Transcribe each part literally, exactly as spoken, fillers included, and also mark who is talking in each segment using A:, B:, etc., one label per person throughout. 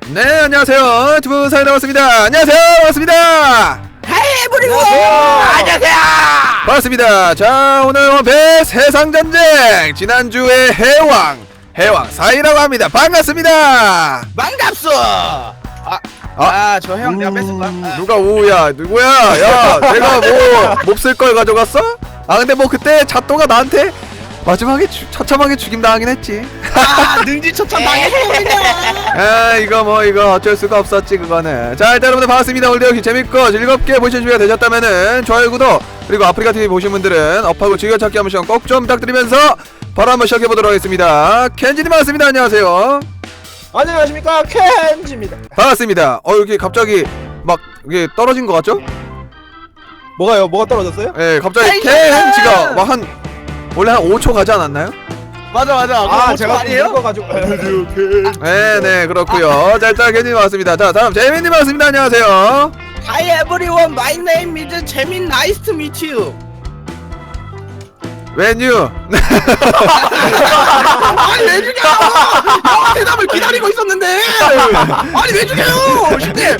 A: 네, 안녕하세요. 두분 사이 나왔습니다. 안녕하세요. 반갑습니다.
B: 헤이 브리고 안녕하세요.
A: 반갑습니다. 자, 오늘 원패 세상전쟁 지난주에 해왕 해왕 사이라고 합니다. 반갑습니다.
B: 반갑소. 아,
A: 아,
B: 아, 저 형 내가 뺐을까? 아.
A: 누가 오야 누구야? 야, 내가 뭐 몹쓸 걸 가져갔어? 아, 근데 뭐 그때 잣도가 나한테 마지막에 주, 처참하게 죽임 당하긴 했지.
B: 아, 능지처참 당했군요.
A: 아, 이거 뭐 이거 어쩔 수가 없었지 그거는. 자, 일단 여러분들 반갑습니다. 오늘도 역시 재밌고 즐겁게 보실 준비가 되셨다면은 좋아요, 구독, 그리고 아프리카티비 보신 분들은 업하고 즐겨찾기 한 번씩 꼭 좀 부탁드리면서 바로 한번 시작해보도록 하겠습니다. 켄지님 반갑습니다. 안녕하세요.
B: 안녕하십니까, 켄지입니다.
A: 반갑습니다. 어, 여기 갑자기 막 이게 떨어진 것 같죠?
B: 뭐가요? 뭐가 떨어졌어요?
A: 예, 갑자기
B: 아이고!
A: 켄지가 막 한 원래 한 오 초 가지 않았나요?
B: 맞아 맞아. 아, 제가 아니에요? 가지고.
A: 네, 네, 그렇고요. 자, 일단 켄지님 반갑습니다. 자, 다음 재민님 반갑습니다. 안녕하세요.
B: Hi everyone, my name is 재민. Nice to meet you.
A: When you
B: 아니 왜 죽여? 형 대답을 기다리고 있었는데. 아니 왜 죽여요? 쉽게.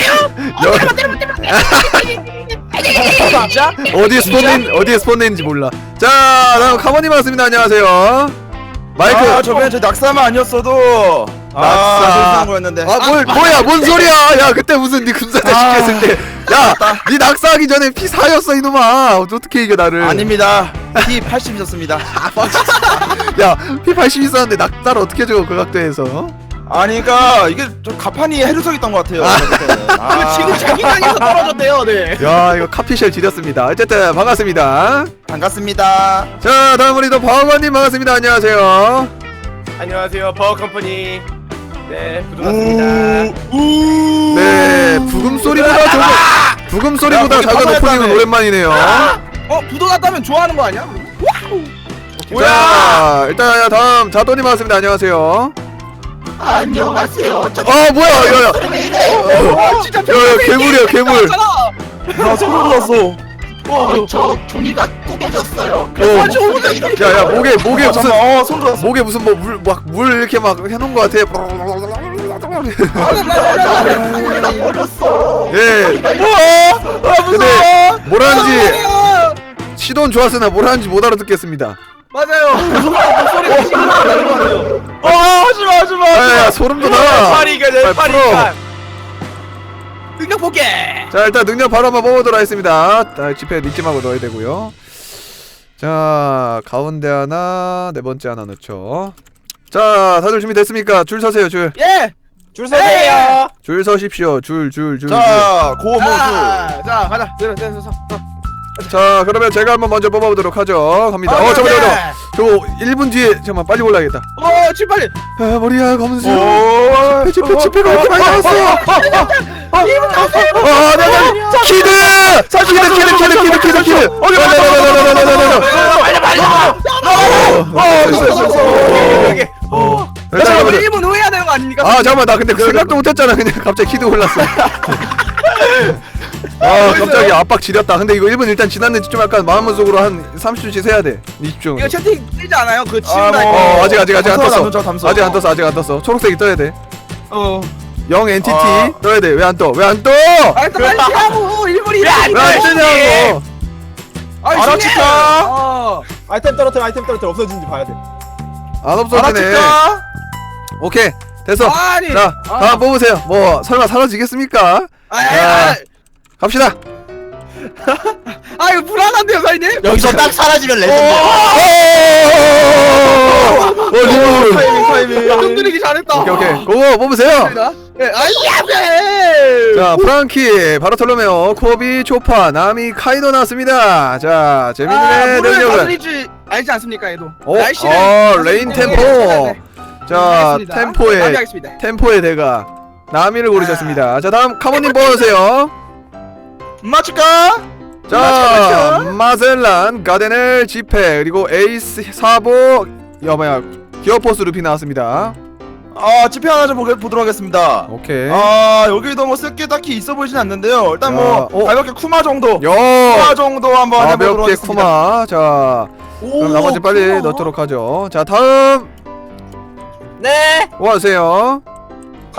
B: 진짜?
A: 어디에 스폰된 어디에 스폰된지 몰라. 자, 다음 카모님 반갑습니다. 안녕하세요. 마이크.
C: 아, 저번에 저 낙사만 아니었어도
A: 낙사.
C: 낙사 거였는데.
A: 아, 뭘 뭐야? 뭔 소리야? 야, 그때 무슨 네 군사대
C: 아.
A: 시켰을 때. 야, 네 낙사하기 전에 피 사였어 이놈아. 어떻게 이겨 나를?
C: 아닙니다. 피 팔십이었습니다.
A: 야, 피 팔십 있었는데 낙사를 어떻게 줘 그 각도에서?
C: 아니 그러니까 이게 좀 가판이 해루석 있던 것 같아요. 아,
B: 지금 자기장에서 떨어졌대요, 네.
A: 야, 이거 카피쉘 지렸습니다. 어쨌든 반갑습니다.
C: 반갑습니다.
A: 자, 다음 우리 또 버거님 반갑습니다. 안녕하세요.
D: 안녕하세요, 버거컴퍼니. 네, 부도났습니다.
A: 네, 부금 소리보다 저거 부금 소리보다
C: 야,
A: 작은
C: 거기
A: 오프닝은
C: 가만히
A: 오랜만이네요.
B: 어, 부도 났다면 좋아하는 거 아니야?
A: 자, 일단 다음 자도님 반갑습니다. 안녕하세요.
B: 안녕하세요.
A: 아, 뭐야, 야, 야,
B: 어, 진짜
A: 야, 야, 괴물이야, 괴물.
C: 나 소름 돋았어.
B: 어, 저 종이가 꾸겨졌어요.
A: 어, 야, 야, 목에 목에
C: 어,
A: 무슨
C: 잠깐만, 어, 소름 돋았어.
A: 목에 무슨 뭐 물 막 물 이렇게 막 해놓은 것 같아. 예.
C: 아,
A: 근데 뭐라는지 시도는 좋았으나 뭐라는지 못 알아듣겠습니다.
B: 맞아요. 목소리가 지금 나는 거 같아요.
C: 어, 하지마, 하지마.
A: 야, 야, 소름 돋아.
D: 파리가 내
A: 빨리 풀어.
D: 파리가.
B: 능력 볼게.
A: 자, 일단 능력 바로 한번 뽑아보도록 하겠습니다. 아, 지폐 니찜하고 넣어야 되고요. 자, 가운데 하나, 네 번째 하나 넣죠. 자, 다들 준비됐습니까? 줄 서세요, 줄.
B: 예.
C: 줄 서세요.
A: 줄 서십시오. 줄, 줄, 줄. 줄.
C: 자, 고모수.
B: 자, 자, 가자. 내려, 내려, 서.
A: 자, 그러면 제가 한번 먼저 뽑아보도록 하죠. 갑니다. 어, 잠깐만, 잠깐만. 저 일 분 뒤에, 잠깐만, 빨리 올라야겠다.
B: 어, 칠 빨리.
A: 아, 머리야, 검은색.
C: 오,
A: 지폐, 지폐, 지폐가 왜 이렇게 많이 나왔어? 아, 나, 나, 키드! 키드, 키드, 키드, 키드, 키드, 키드. 어, 나, 나, 나, 나, 나, 나, 나, 나, 나, 나.
B: 빨리 빨리.
A: 어, 있어, 있어, 있어.
B: 여기. 어.
A: 일단
B: 자,
A: 여러분들.
B: 일 분 후에 해야 되는 거 아닙니까?
A: 아, 잠깐만, 나 근데 생각도 못했잖아. 그냥 갑자기 키드 올랐어. 아, 깜짝이야. 압박 지렸다. 근데 이거 일 분 일단 지났는지 좀 약간 마음속으로 한 삼십 초씩 세야 돼. 이십 초.
B: 이거 채팅 뜨지 않아요? 그
C: 아,
B: 치운다.
C: 뭐.
A: 어, 아직 아직 아직 안
C: 담소,
A: 떴어.
C: 담소, 담소.
A: 아직 안 떴어. 아직 안 떴어. 초록색이 떠야 돼.
B: 어.
A: 영 엔티티
C: 아.
A: 떠야 돼. 왜 안 떠? 왜 안 떠?
B: 아, 일단 빨리 하고 일 분이
A: 왜 안 뜨냐고.
C: 알아치까?
B: 어.
D: 아이템 떨어뜨려, 아이템 떨어뜨려. 없어진지 봐야 돼.
A: 안 없어지네.
C: 알아치까?
A: 오케이. 됐어.
B: 아니.
A: 자,
B: 아.
A: 다음 뽑으세요. 뭐 설마 사라지겠습니까?
B: 아, 아,
A: 갑시다.
B: 아, 이거 불안한데요, 사장님?
C: 여기서 딱 사라지면
A: 오!
C: 레전드.
A: 어, 리본.
C: 타이밍, 타이밍.
B: 흔들리기 잘했다.
A: 오케이, 오케이. 고고 뽑으세요.
B: 예, 아이,
A: 자, 프랑키, 바르톨로메오, 코비, 초파, 나미, 카이도 나왔습니다. 자,
B: 아,
A: 재민님의
B: 물을
A: 능력은
B: 다스릴 줄 알지 않습니까, 얘도?
A: 어?
B: 날씨를
A: 어,
B: 다스릴
A: 레인
B: 줄
A: 템포.
B: 알아야 돼.
A: 자,
B: 알겠습니다.
A: 템포의
B: 마무리하겠습니다.
A: 템포의 대가 나미를 고르셨습니다. 자, 다음 카모님 뽑으세요.
C: 맞출까?
A: 자, 마젤란, 가데넬, 지페, 그리고 에이스, 사보, 야, 뭐야, 기어포스 루피 나왔습니다.
C: 아, 지표 하나 좀 보게, 보도록 하겠습니다.
A: 오케이.
C: 아, 여기도 뭐 쓸 게 딱히 있어 보이진 않는데요. 일단
A: 자,
C: 뭐
A: 어.
C: 가볍게 쿠마 정도.
A: 요!
C: 쿠마 정도 한번 해보도록
A: 가볍게
C: 하겠습니다.
A: 쿠마. 자, 그럼 나머지 빨리 넣도록 하죠. 자, 다음
B: 네.
A: 뭐 하세요?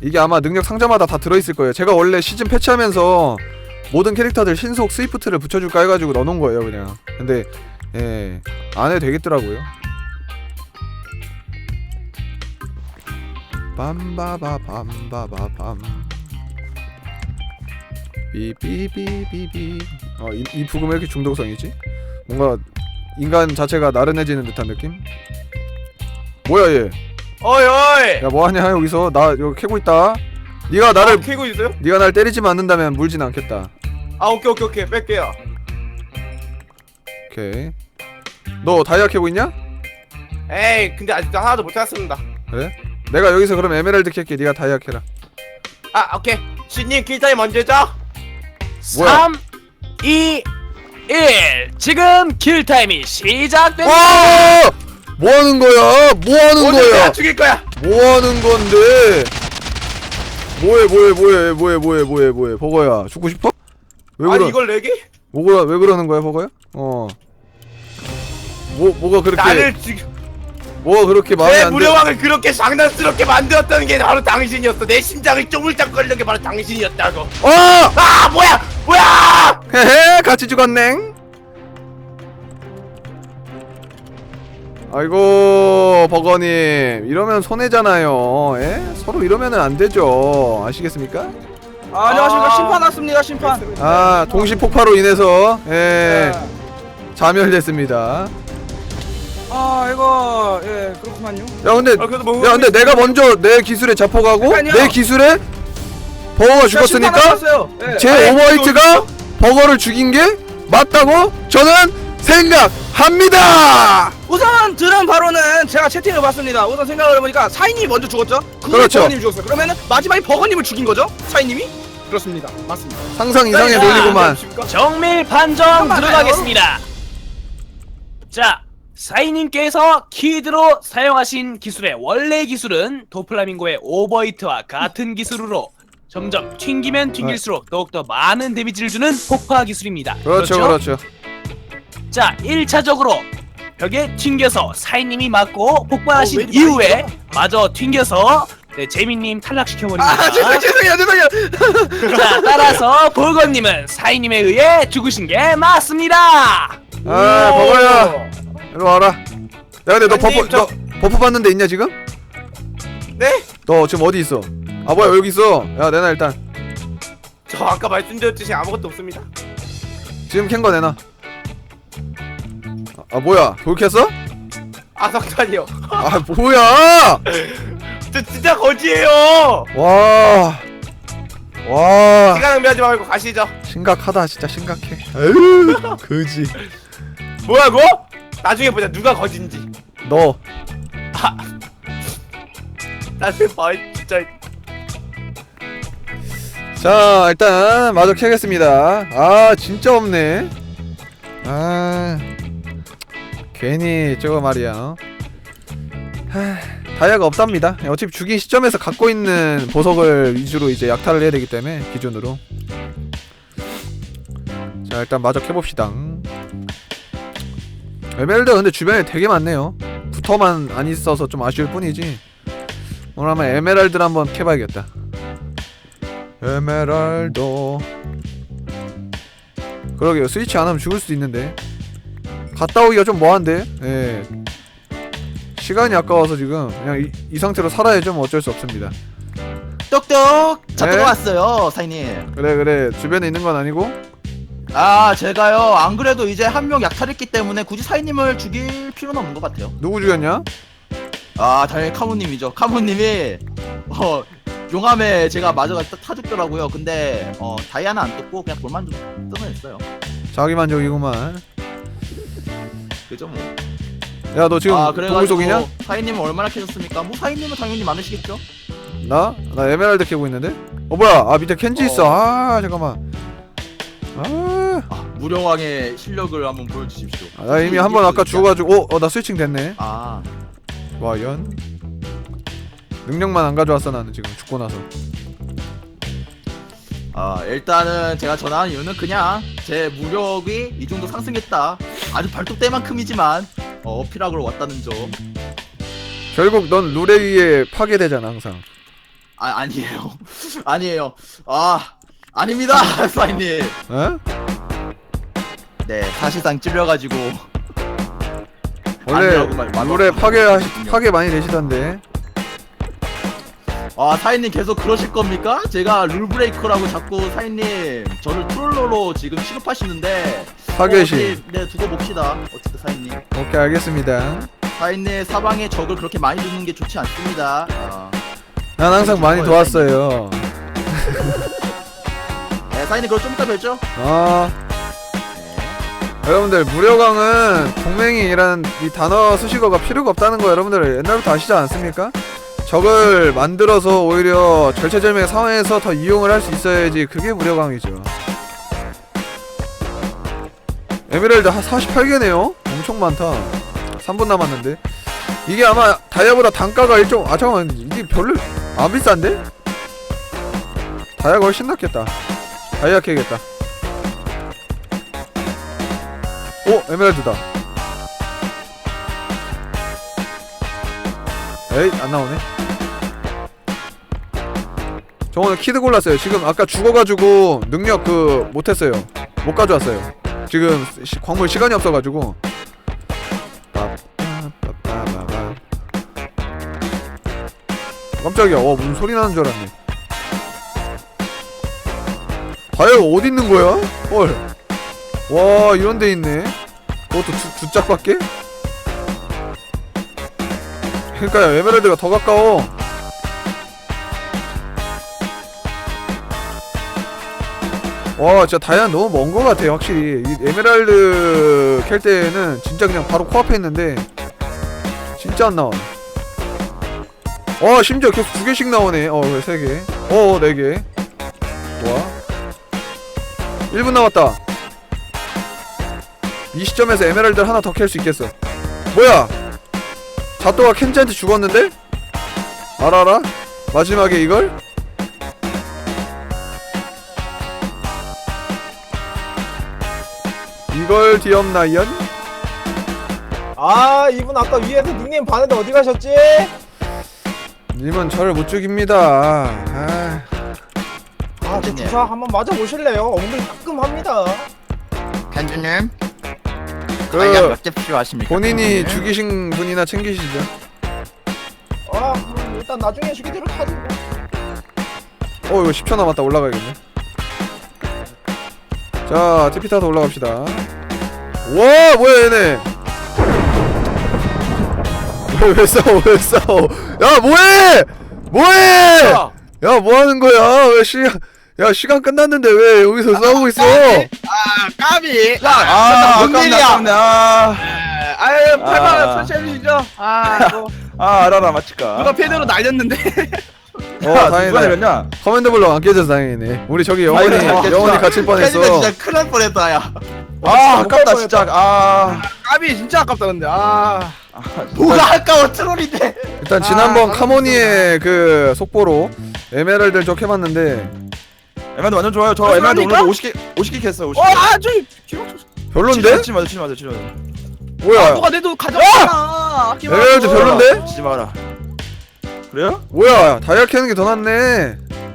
A: 이게 아마 능력 상자마다 다 들어있을 거예요. 제가 원래 시즌 패치하면서 모든 캐릭터들 신속 스위프트를 붙여줄까 해가지고 넣어놓은 거예요 그냥. 근데 예 안해도 되겠더라고요. 빰바바 빰바바 빰 삐삐삐삐삐. 어, 이, 이 부금 왜 이렇게 중독성이지? 뭔가 인간 자체가 나른해지는 듯한 느낌? 뭐야 얘?
D: 어이 어이.
A: 야 뭐하냐 여기서. 나 여기 캐고 있다. 네가 나를
D: 아, 캐고 있어요?
A: 네가 날 때리지만 않는다면 물진 않겠다.
D: 아 오케이 오케이 오케이 뺄게요.
A: 오케이. 너 다이아 캐고 있냐?
D: 에이 근데 아직도 하나도 못 찾았습니다.
A: 그래? 내가 여기서 그럼 에메랄드 캘게. 네가 다이아 캐라.
D: 아 오케이. 신님 킬타임 언제죠?
A: 뭐야?
E: 삼, 이, 일. 지금 킬 타임이 시작됩니다.
A: 와! 뭐 하는 거야? 뭐 하는
D: 오늘
A: 거야?
D: 내가 죽일 거야.
A: 뭐 하는 건데? 뭐해 뭐해 뭐해 뭐해 뭐해 뭐해 뭐해 버거야 죽고 싶어? 왜 그러
D: 아니 이걸 내게?
A: 뭐가 왜 그러는 거야 버거야? 어. 뭐 뭐가 그렇게
D: 나를 죽.
A: 뭐가 그렇게 마음에
D: 내
A: 안 들?
D: 무료왕을 그렇게 장난스럽게 만들었던 게 바로 당신이었어. 내 심장을 쪼물짝거리는 게 바로 당신이었다고.
A: 어!
D: 아 뭐야 뭐야!
A: 헤헤 같이 죽었넹. 아이고 버거님 이러면 손해잖아요. 에? 서로 이러면은 안 되죠. 아시겠습니까?
B: 아, 안녕하십니까.
D: 아.
B: 심판 왔습니다. 심판.
A: 아 동시 폭파로 인해서 예 자멸됐습니다.
B: 아 이거 예 그렇구만요.
A: 야 근데
D: 아, 그래도 뭐
A: 야 근데 내가 먼저 내 기술에 잡혀가고
B: 잠깐만요.
A: 내 기술에 버거가 죽었으니까
B: 예.
A: 제 오버히트가 버거를 죽인 게 맞다고 저는 생각합니다.
B: 우선 들은 바로는 제가 채팅을 봤습니다. 우선 생각을 해보니까 사인님이 먼저 죽었죠. 그 후에
A: 그렇죠.
B: 버거님이 죽었어요. 그러면은 마지막에 버거님을 죽인 거죠? 사인님이? 그렇습니다. 맞습니다.
A: 상상 이상의
E: 자,
A: 논리구만.
E: 정밀 판정
B: 잠깐만요.
E: 들어가겠습니다. 자, 사이님께서 키드로 사용하신 기술의 원래 기술은 도플라밍고의 오버히트와 같은 기술으로 점점 튕기면 튕길수록 더욱더 많은 데미지를 주는 폭파 기술입니다.
A: 그렇죠 그렇죠.
E: 자, 일 차적으로 벽에 튕겨서 사이님이 맞고 폭발하신
B: 어, 왜 이렇게
E: 이후에 마저 튕겨서 네, 재민님 탈락시켜버립니다.
B: 아 죄송 죄송해요 죄송해요.
E: 자, 따라서 볼건님은 사이님에 의해 죽으신 게 맞습니다.
A: 아 버거야 이리 와라. 야 근데 너
D: 아니,
A: 버프
D: 저-
A: 너 버프 받는 데 있냐 지금?
D: 네?
A: 너 지금 어디 있어? 아 뭐야 여기 있어. 야 내놔 일단.
D: 저 아까 말씀드렸듯이 아무것도 없습니다.
A: 지금 캔 거 내놔. 아, 아 뭐야 돌켰어?
D: 아 석탄이요.
A: 아 뭐야?
D: 저 진짜 거지예요.
A: 와. 와.
D: 시간 낭비하지 말고 가시죠.
A: 심각하다 진짜 심각해. 에휴 그지.
D: 뭐라고? 나중에 보자 누가 거진지.
A: 너.
D: 나중에 봐 진짜.
A: 자 일단 마저 캐겠습니다. 아 진짜 없네. 아 괜히 저거 말이야. 어? 하, 다이아가 없답니다. 어차피 죽인 시점에서 갖고 있는 보석을 위주로 이제 약탈을 해야 되기 때문에 기준으로. 자 일단 마저 캐봅시다. 에메랄드 근데 주변에 되게 많네요. 부터만 안 있어서 좀 아쉬울 뿐이지. 오늘 한번 에메랄드를 한번 캐봐야겠다. 에메랄드. 그러게요. 스위치 안 하면 죽을 수도 있는데 갔다 오기가 좀 뭐한데. 예. 시간이 아까워서 지금 그냥 이, 이 상태로 살아야죠. 뭐 어쩔 수 없습니다.
F: 똑똑 저
A: 네?
F: 들어왔어요 사인님.
A: 그래 그래 주변에 있는 건 아니고.
F: 아 제가요 안 그래도 이제 한 명 약탈했기 때문에 굳이 사인님을 죽일 필요는 없는 것 같아요.
A: 누구 죽였냐?
F: 아 당연히 카모님이죠. 카모님이 어 용암에 제가 맞아가 타 죽더라고요. 근데 어 다이아는 안 떴고 그냥 돌만 좀 뜯어냈어요.
A: 자기만족이구만.
F: 그죠 뭐.
A: 야 너 지금
F: 아
A: 동물
F: 그래가지고
A: 속이냐?
F: 사인님은 얼마나 캐셨습니까? 뭐 사인님은 당연히 많으시겠죠.
A: 나? 나 에메랄드 캐고 있는데? 어 뭐야 아 밑에 켄지 있어. 아 잠깐만. 아,
F: 아 무령왕의 실력을 한번 보여주십시오.
A: 아, 나 이미 한 번 아까 죽어가지고 어? 어 나 스위칭 됐네.
F: 아
A: 과연? 능력만 안 가져왔어 나는 지금 죽고 나서.
F: 아 일단은 제가 전화한 이유는 그냥 제 무력이 이 정도 상승했다. 아주 발톱대만큼이지만 어, 어필하러 왔다는 점.
A: 결국 넌 룰에 의해 파괴되잖아 항상.
F: 아 아니에요. 아니에요. 아 아닙니다 사인님.
A: 어?
F: 네 사실상 찔려가지고
A: 원래
F: 아니라고 말- 말-
A: 룰에 파괴 파괴 많이 되시던데.
F: 아 사인님 계속 그러실 겁니까? 제가 룰브레이커라고 자꾸 사인님 저를 트롤러로 지금 취급하시는데
A: 파괴신.
F: 어, 어디- 네 두고 봅시다. 어쨌든 사인님
A: 오케이 알겠습니다.
F: 사인님 사방에 적을 그렇게 많이 두는 게 좋지 않습니다. 아,
A: 난 항상 많이 도왔어요.
F: 네 사인님 그걸 좀 이따 뵙죠.
A: 아 여러분들 무료강은 동맹이라는 이 단어 수식어가 필요가 없다는 거 여러분들 옛날부터 아시지 않습니까? 적을 만들어서 오히려 절체절명의 상황에서 더 이용을 할 수 있어야지 그게 무료강이죠. 에메랄드 한 사십팔 개네요? 엄청 많다. 삼 분 남았는데 이게 아마 다이아보다 단가가 일종 아 잠깐만 이게 별로 안 비싼데? 다이아가 훨씬 낫겠다. 다이아 캐겠다. 오! 에메랄드다. 에이 안나오네. 저 오늘 키드 골랐어요. 지금 아까 죽어가지고 능력 그 못했어요. 못 가져왔어요. 지금 시, 광물 시간이 없어가지고. 빠빠빠빠빠빠. 깜짝이야. 어 무슨 소리 나는 줄 알았네. 다이아가 어디 있는 거야? 헐. 와 이런 데 있네. 그것도 두, 두 짝밖에? 그러니까요 에메랄드가 더 가까워. 와 진짜 다이아 너무 먼 거 같아 확실히. 이 에메랄드 캘 때는 진짜 그냥 바로 코앞에 있는데 진짜 안 나와. 어 심지어 계속 두 개씩 나오네. 어 왜 세 개? 어 네 개. 좋아. 일 분 남았다. 이 시점에서 에메랄드를 하나 더 캘 수 있겠어. 뭐야? 자또가 켄지한테 죽었는데? 알아라? 마지막에 이걸? 이걸 뒤엎나연?
G: 아 이분 아까 위에서 닉네임 봤는데 어디 가셨지?
A: 님은 저를 못 죽입니다. 아,
G: 아 저 주사 한번 맞아보실래요? 엉덩이 따끔합니다.
F: 켄지님
A: 그
F: 몇개 필요하십니까?
A: 본인이 죽이신 분이나 챙기시죠.
G: 아 음, 일단 나중에 죽이도록 하지 뭐.
A: 어 이거 십 초 남았다. 올라가야겠네. 자 티피 타서 올라갑시다. 와 뭐야 얘네. 왜, 왜 싸워 왜 싸워. 야 뭐해 뭐해. 야 뭐하는 거야. 왜 시간 야 시간 끝났는데 왜 여기서 싸우고 있어.
D: 아 까비.
C: 아
D: 뭔
C: 아깝네
D: 일이야?
C: 아깝네 아,
D: 아유 팔만
C: 아.
D: 원 설치해주시죠. 아 뭐,
C: 아 알아라 맞지까.
D: 누가 패드로 날렸는데.
A: 어
C: 야, 누가
A: 다행이다.
C: 내렸냐?
A: 커맨드 블럭 안 깨져서 다행이네. 우리 저기 영원히
C: 다행이다.
A: 영원히 갇힐 뻔했어.
F: 켄지는 진짜 큰일 날 뻔했다 야.
C: 아 아깝다 진짜. 아,
D: 까비 진짜 아깝다 근데. 아.
F: 뭐가 아까워 트롤인데.
A: 일단 지난번
D: 아,
A: 카모니의 그 속보로 에메랄드를 좀 해봤는데
C: 에메랄드 완전 좋아요. 저
D: 아,
C: 에메랄드
D: 그러니까?
C: 오늘도 오십 개 오십 개 캤어. 오십 개.
D: 어아 저기 기록.
A: 별론데?
C: 치지 마자 치지 마자 치지 마자.
A: 뭐야?
D: 누가 내도 가져왔잖아.
A: 에메랄드 별론데?
C: 치지 마라. 그래요?
A: 뭐야? 다이아 캐는 게 더 낫네.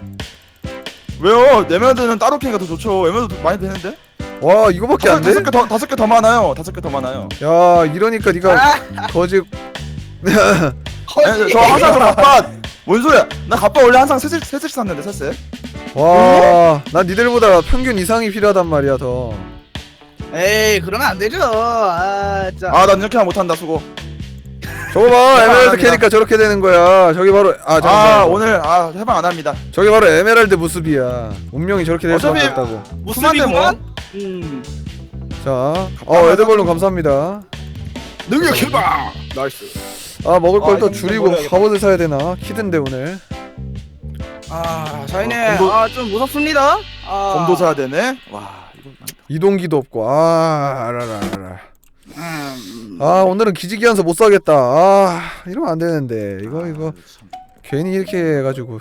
C: 왜요? 에메랄드는 따로 캐니까 더 좋죠. 에메랄드 많이 되는데?
A: 와 이거밖에 안 돼?
C: 다섯 개 더 다섯 개 더 많아요. 다섯 개 더 많아요.
A: 야 이러니까 네가 거지.
C: 아니, 저 항상 저 갑바 뭔 소리야? 나 갑바 원래 항상 세 세, 세 세씩 샀는데 세 세.
A: 와, 난 니들보다 평균 이상이 필요하단 말이야 더.
D: 에이 그러면 안 되죠. 아 진짜.
C: 아, 난 이렇게 못 한다 수고.
A: 저거 봐, 에메랄드
C: 합니다.
A: 캐니까 저렇게 되는 거야. 저기 바로 아
C: 아,
A: 잠깐만.
C: 오늘 아 해방 안 합니다.
A: 저기 바로 에메랄드 모습이야. 운명이 저렇게 될 수밖에
C: 어차피-
A: 없다고.
D: 무수비구만. 음.
A: 자, 어 에드벌룬 감사합니다.
D: 능력 해봐. 나이스.
A: 아 먹을 걸
G: 아,
A: 또
G: 이거
A: 줄이고
G: 먹어야겠다.
A: 갑옷을 사야 되나? 키든데 오늘.
D: 아 저희는
C: 어, 검도-
D: 아좀 무섭습니다. 아.
C: 검도 사야 되네. 와, 이거
A: 이동기도 없고 아 알아라 알아.
D: 음.
A: 아 오늘은 기지기한서 못 사겠다. 아 이러면 안 되는데 이거 이거 괜히 이렇게 해가지고.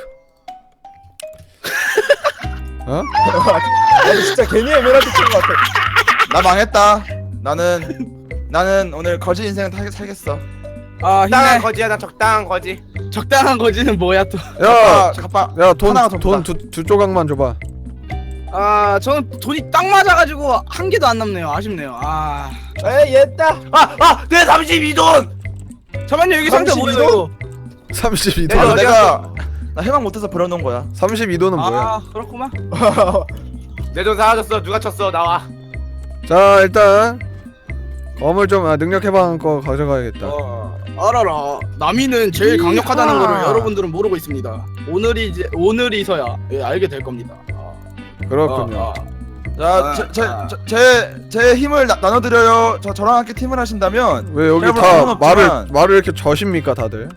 A: 어?
G: 아니 진짜 괜히 에메랄드 찍은 것 같아.
C: 나 망했다. 나는 나는 오늘 거지 인생 살- 살겠어.
D: 아 적당한 거지야 나 적당한 거지.
B: 적당한 거지는 뭐야 또.
A: 야,
C: 가파
A: 야, 돈,
C: 하나가 더
A: 돈 두 두 조각만 줘봐.
B: 아 저는 돈이 딱 맞아가지고 한 개도 안 남네요. 아쉽네요. 아
G: 에이 얘다.
D: 아아내 삼십이 돈.
B: 잠깐만요 여기 상자 뭐예요? 이거?
A: 삼십이
C: 아,
A: 돈.
C: 내가 나 해방 못해서 버려놓은 거야.
A: 삼십이 돈은 뭐야?
B: 아 그렇구만.
D: 내 돈 사라졌어. 누가 쳤어? 나와.
A: 자, 일단 검을 좀 아, 능력 해방 거 가져가야겠다.
B: 어, 알아라. 남이는 제일 강력하다는 거를 여러분들은 모르고 있습니다. 오늘이 이제 오늘이서야 예, 알게 될 겁니다. 아,
A: 그렇군요.
B: 아, 아.
C: 자, 제제제 제 힘을 나, 나눠드려요. 저 저랑 함께 팀을 하신다면
A: 왜 여기
C: 해볼
A: 다
C: 수는
A: 말을
C: 없지만.
A: 말을 이렇게 저십니까 다들?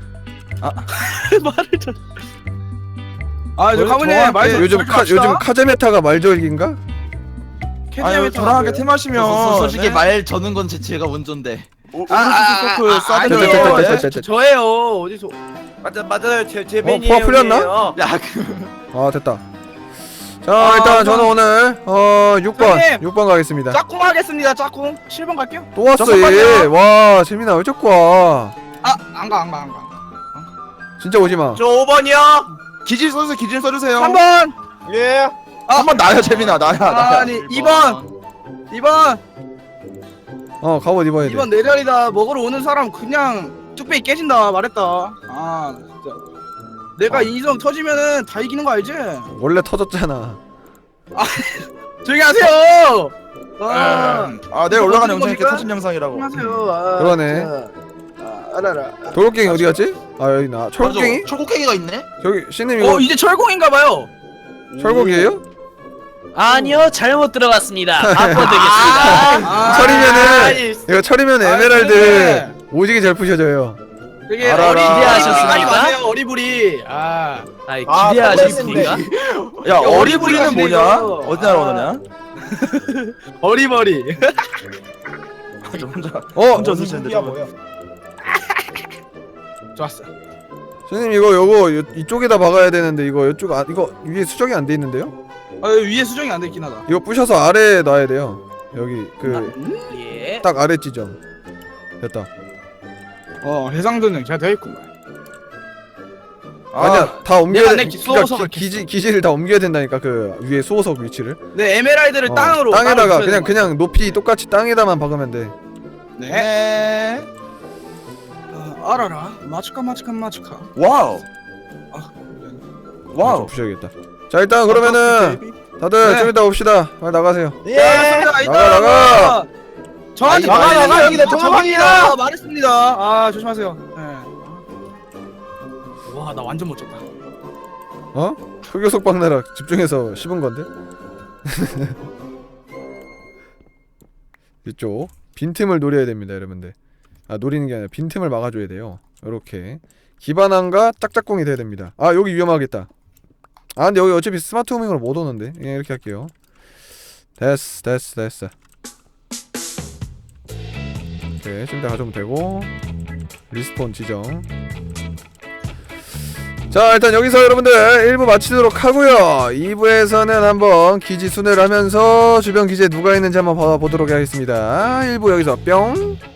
B: 말을 좀. 아, 저
C: 저-
B: 가문님
C: 저한테
B: 말 좀.
A: 요즘 카 요즘 카제메타가 말절기인가?
C: 아니 저랑 함께 팀 하시면
F: 소- 솔직히
C: 네?
F: 말 저는 건 제, 제가 먼저인데.
C: 오-
B: 아, 아,
C: 오른쪽 서클
B: 아,
C: 쏴드려요.
B: 아니에요.
A: 됐다, 됐다,
C: 네?
A: 됐다, 됐다.
B: 저예요. 어디서?
D: 맞아 맞아요. 제 제
A: 어,
D: 매니.
A: 포화 풀렸나?
F: 야, 그
A: 아, 됐다. 자,
B: 아,
A: 일단
B: 그럼-
A: 저는 오늘 어 육 번
B: 형님!
A: 육 번 가겠습니다.
B: 짝꿍 하겠습니다. 짝꿍. 칠 번 갈게요.
A: 또 왔어
C: 잠깐만요.
A: 얘. 와, 재민아 왜 자꾸 와?
B: 아, 안 가, 안 가, 안 가.
A: 진짜 오지 마.
D: 저 오 번이요.
C: 기질 써주세요. 기질 써주세요.
B: 삼 번.
G: 예.
C: 한번 나요 재민아 나야 나야.
B: 아니, 이 번. 이 번.
A: 어, 갑옷 입어야 돼.
B: 이 번 내 자리다. 먹으러 오는 사람 그냥 뚝배기 깨진다 말했다. 아, 진짜. 내가 이성 터지면은 다 이기는 거 알지?
A: 원래 터졌잖아.
B: 조용히 하세요. 아,
C: 아 내일 올라가는
B: 어떤
C: 영상이 이렇게
B: 겁니까?
C: 터진 영상이라고.
B: 조용히 하세요. 아,
A: 그러네.
B: 진짜. 아, 알아라.
A: 돌고갱이 어디 갔지? 아, 여기 나. 철곡갱이?
F: 맞아, 철곡갱이가 있네.
A: 저기 신님 이거
B: 어, 이제 철공인가 봐요.
A: 철곡이에요?
E: 아니요 잘못 들어갔습니다. 바꿔드리겠습니다.
B: 아,
A: 철이면은
D: 아니,
A: 이거 철이면
B: 아,
A: 에메랄드
B: 그래.
A: 오지게 잘 부셔져요.
B: 되게
C: 알아라.
B: 어리
E: 기대하셨습니까?
B: 기대하지 마세요. 어리부리. 아,
E: 아이,
G: 아,
E: 기대하셨습니까?
C: 야
B: 어리부리가
C: 어리부리는 뭐냐?
B: 이거.
C: 어디 나라 오느냐?
B: 어리버리.
C: 저 혼자
A: 어,
C: 혼자 쓰시는데
G: 무기야
C: 저분.
G: 뭐야?
B: 좋았어.
A: 신님 이거 요거 요, 이쪽에다 박아야 되는데 이거 이쪽 아 이거 위에 수정이 안 돼 있는데요?
B: 아, 위에 수정이 안 돼 있긴 하다.
A: 이거 부셔서 아래에 놔야 돼요. 여기 그
E: 예.
A: 딱 아래 지점. 됐다.
B: 어, 해상도는 잘 되어 있구만.
C: 아,
A: 아니야, 다 옮겨야
B: 내가
A: 돼.
B: 내
A: 그러니까
B: 수호석을
A: 기, 기지 기지를 다 옮겨야 된다니까 그 위에 수호석 위치를.
B: 네, 에메랄드를
A: 어,
B: 땅으로
A: 땅에다가
B: 따로
A: 그냥
B: 붙여야 되는
A: 그냥 높이 똑같이 땅에다만 박으면 돼.
B: 거야. 네.
C: 네.
B: 어, 알아라. 마츠카 마츠카 마츠카.
C: 와우.
B: 아,
A: 좀
C: 와우.
A: 부셔야겠다. 자, 일단 그러면은 다들
B: 네.
A: 좀 이따 옵시다. 빨리 나가세요.
G: 예.
B: 나가
A: 나가, 나가.
B: 저한테
G: 나가,
B: 말했습니다.
G: 나가, 여기 내
B: 저기다
G: 도망이다.
B: 말했습니다. 아, 조심하세요. 네. 와, 나 완전 못 쳤다.
A: 어? 흑요석 박느라 집중해서 씹은 건데? 이쪽 빈틈을 노려야 됩니다 여러분들. 아, 노리는 게 아니라 빈틈을 막아줘야 돼요. 요렇게 기반함과 짝짝꿍이 돼야 됩니다. 아, 여기 위험하겠다. 아, 근데 여기 어차피 스마트 호밍으로 못 오는데. 예, 이렇게 할게요. 됐어 됐어 됐어. 오케이, 좀 이따 가져오면 되고. 리스폰 지정. 자, 일단 여기서 여러분들 일 부 마치도록 하고요. 이 부에서는 한번 기지 순회를 하면서 주변 기지에 누가 있는지 한번 봐보도록 하겠습니다. 일 부 여기서 뿅.